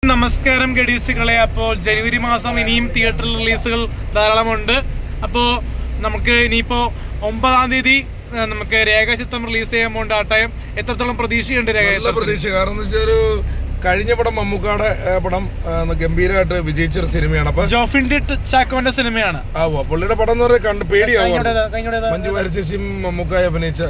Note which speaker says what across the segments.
Speaker 1: നമസ്കാരം ഗഡീസുകളെ. അപ്പോൾ ജനുവരി മാസം ഇനിയും തിയേറ്ററിൽ റിലീസുകൾ ധാരാളമുണ്ട്. അപ്പോൾ നമുക്ക് ഇനിയിപ്പോൾ 9-ാം തീയതി നമുക്ക് രേഖാചിത്രം റിലീസ് ചെയ്യാൻ പോകേണ്ട ആ ടൈം എത്രത്തോളം പ്രതീക്ഷയുണ്ട്?
Speaker 2: പ്രതീക്ഷ. കാരണം എന്ന് വെച്ചാൽ ഒരു കഴിഞ്ഞ പടം മമ്മൂക്കാടെ പടം ഗംഭീരമായിട്ട് വിജയിച്ചൊരു സിനിമയാണ്. അപ്പൊ
Speaker 1: ജോഫിന്റെ ചാക്കോന്റെ സിനിമയാണ്.
Speaker 2: പുള്ളിയുടെ പടം എന്ന് പറയാൻ കണ്ട് പേടിയാവും. മഞ്ജു വാര്യർ ചേച്ചിയും മമ്മൂക്കായി അഭിനയിച്ച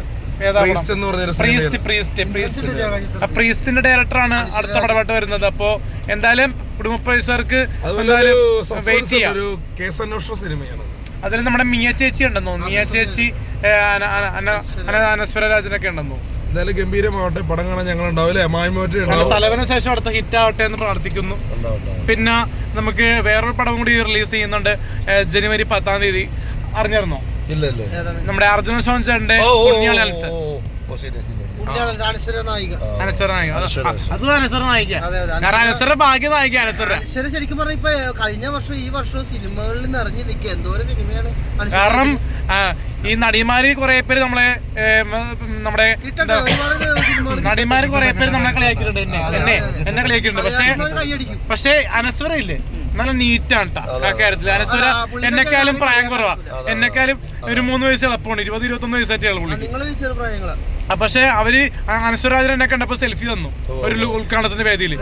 Speaker 1: പ്രീസ്റ്റിന്റെ ഡയറക്ടറാണ് അടുത്ത പടമായിട്ട് വരുന്നത്. അപ്പോ എന്തായാലും കുടുംബ പൈസർക്ക് വെയിറ്റ് ചെയ്യാം.
Speaker 2: ഒരു കേസന്വേഷണ സിനിമയാണ്.
Speaker 1: അതിൽ നമ്മുടെ മിയ ചേച്ചി ഉണ്ടെന്നോ, മിയ ചേച്ചി അനശ്വര രാജനൊക്കെ ഉണ്ടെന്നോ.
Speaker 2: എന്തായാലും ഗംഭീരമാവട്ടെ, പടം കാണാൻ ഞങ്ങൾ ഉണ്ടാവില്ലേ.
Speaker 1: തലവന ശേഷം അടുത്ത ഹിറ്റ് ആവട്ടെ എന്ന് പ്രാർത്ഥിക്കുന്നു. പിന്നെ നമുക്ക് വേറൊരു പടം കൂടി റിലീസ് ചെയ്യുന്നുണ്ട് ജനുവരി 10-ാം തീയതി. അറിഞ്ഞിരുന്നോ? നമ്മുടെ അർജുന ഷോൺചാന്റെ ഭാഗ്യ നായിക അനശ്വര.
Speaker 3: ശരിക്കും പറഞ്ഞ ഇപ്പൊ കഴിഞ്ഞ വർഷം ഈ വർഷവും സിനിമകളിൽ നിറഞ്ഞിരിക്കുക എന്തോരം സിനിമയാണ്.
Speaker 1: കാരണം ഈ നടിമാര് കുറെ പേര് നമ്മുടെ നടിമാര് കുറെ പേര് നമ്മളെ കളിയാക്കിയിട്ടുണ്ട്, എന്നെ കളിയാക്കിയിട്ടുണ്ട്. പക്ഷേ അനശ്വര ഇല്ലേ, നല്ല നീറ്റാണ് ആ കാര്യത്തില്. അനശ്വര എന്നെക്കാളും പ്രായം കുറവാ, എന്നെക്കാളും ഒരു 3 വയസ്സ് എളുപ്പമുണ്ട്. 20-21 വയസ്സായിട്ടാണ് പുള്ളി. പക്ഷെ അവര് അനശ്വരാജൻ എന്നെ കണ്ടപ്പോ സെൽഫി തന്നു ഒരു ഉദ്ഘാടനത്തിന്റെ വേദിയിൽ.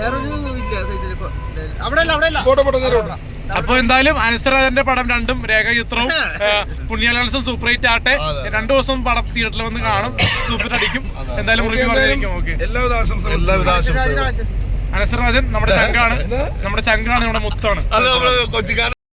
Speaker 1: അപ്പൊ എന്തായാലും അനശ്വരാജന്റെ പടം രണ്ടും രേഖാചിത്രവും പുണ്യാലാൽസും സൂപ്പർ ഹിറ്റ് ആട്ടെ. 2 ദിവസം പടം തിയേറ്ററിൽ വന്ന് കാണും, സൂപ്പർ അടിക്കും. എന്തായാലും റിവ്യൂ പറഞ്ഞിരിക്കും. ഓക്കെ, അനശ്വരാജൻ നമ്മുടെ ചങ്കാണ്, നമ്മുടെ മുത്താണ്.